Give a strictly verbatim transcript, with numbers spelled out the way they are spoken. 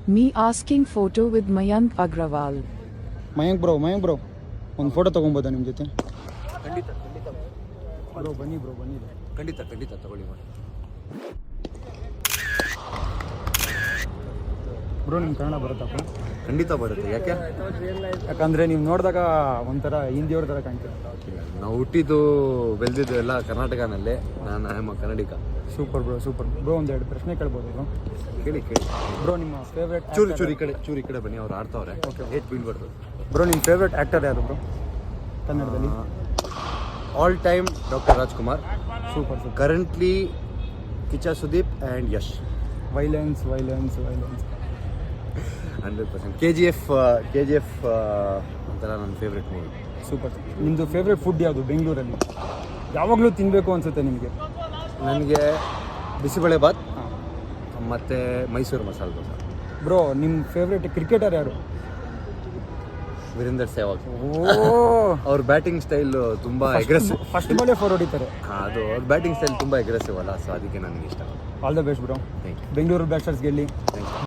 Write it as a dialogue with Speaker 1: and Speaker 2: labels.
Speaker 1: Me asking photo with Mayank Agrawal.
Speaker 2: Mayank bro Mayank bro ಒಂದು photo ತೊಗೊಬೋದಾ ನಿಮ್ಮ ಜೊತೆ?
Speaker 3: ಖಂಡಿತ ಖಂಡಿತ
Speaker 2: ಬ್ರೋ ಬನ್ನಿ ಬ್ರೋ ಬನ್ನಿ
Speaker 3: ಖಂಡಿತ ಖಂಡಿತ ತಗೊಳ್ಳಿ ಮಾಡಿ.
Speaker 2: ಬ್ರೋ ನಿಮ್ಮ ಕನ್ನಡ ಬರುತ್ತಪ್ಪ?
Speaker 3: ಖಂಡಿತ ಬರುತ್ತೆ. ಯಾಕೆ?
Speaker 2: ಯಾಕಂದರೆ ನೀವು ನೋಡಿದಾಗ ಒಂಥರ ಹಿಂದಿಯವ್ರ ಥರ ಕಾಣ್ತೀರ.
Speaker 3: ನಾವು ಹುಟ್ಟಿದ್ದು ಬೆಳೆದಿದ್ದು ಎಲ್ಲ ಕರ್ನಾಟಕನಲ್ಲೇ. ನಾನು am Kannadiga.
Speaker 2: Super bro super bro. ಒಂದೆರಡು ಪ್ರಶ್ನೆ ಕೇಳ್ಬೋದು ಬ್ರೋ?
Speaker 3: ಕೇಳಿ ಕೇಳಿ
Speaker 2: ಬ್ರೋ ನಿಮ್ಮ ಫೇವ್ರೇಟ್
Speaker 3: ಚೂರಿ ಚೂರಿ ಈ ಕಡೆ ಚೂರಿ ಈ ಕಡೆ ಬನ್ನಿ, ಅವ್ರು ಆಡ್ತಾವ್ರೆ. ಓಕೆ, ಹೇಟ್ ಬೀಳ್ಬಾರ್ದು.
Speaker 2: ಬ್ರೋ ನಿಮ್ಮ ಫೇವ್ರೇಟ್ ಆ್ಯಕ್ಟರ್ ಯಾರು ಬ್ರೋ ಕನ್ನಡದಲ್ಲಿ?
Speaker 3: All time doctor Rajkumar.
Speaker 2: Super super.
Speaker 3: Currently Kichcha Sudeep and Yash.
Speaker 2: Violence violence violence
Speaker 3: hundred percent. K G F K G F ಒಂಥರ ನನ್ನ ಫೇವ್ರೆಟ್ ಮೂವಿ.
Speaker 2: ಸೂಪರ್. ನಿಮ್ಮದು ಫೇವ್ರೇಟ್ ಫುಡ್ ಯಾವುದು ಬೆಂಗಳೂರಲ್ಲಿ? ಯಾವಾಗಲೂ ತಿನ್ನಬೇಕು ಅನಿಸುತ್ತೆ ನಿಮಗೆ?
Speaker 3: ನನಗೆ ಬಿಸಿಬೇಳೆ ಬಾತ್ ಮತ್ತು ಮೈಸೂರು ಮಸಾಲೆ ದೋಸೆ.
Speaker 2: ಬ್ರೋ ನಿಮ್ಮ ಫೇವ್ರೇಟ್ ಕ್ರಿಕೆಟರ್ ಯಾರು?
Speaker 3: ವೀರೇಂದರ್ ಸೆಹ್ವಾಗ್.
Speaker 2: ಓ
Speaker 3: ಅವ್ರ ಬ್ಯಾಟಿಂಗ್ ಸ್ಟೈಲ್ ತುಂಬ ಅಗ್ರೆಸಿವ್.
Speaker 2: ಫಸ್ಟ್ ಬಾಲೇ ಫೋರ್ ಹೊಡಿತಾರೆ.
Speaker 3: ಅದು ಅವ್ರ ಬ್ಯಾಟಿಂಗ್ ಸ್ಟೈಲ್ ತುಂಬ ಅಗ್ರೆಸಿವ್ ಅಲ್ಲ, ಸೊ ಅದಕ್ಕೆ ನನಗೆ ಇಷ್ಟ.
Speaker 2: All the best bro.
Speaker 3: Thank you.
Speaker 2: Bengaluru Blasters ಗೆಲ್ಲಿ.
Speaker 3: Thank you.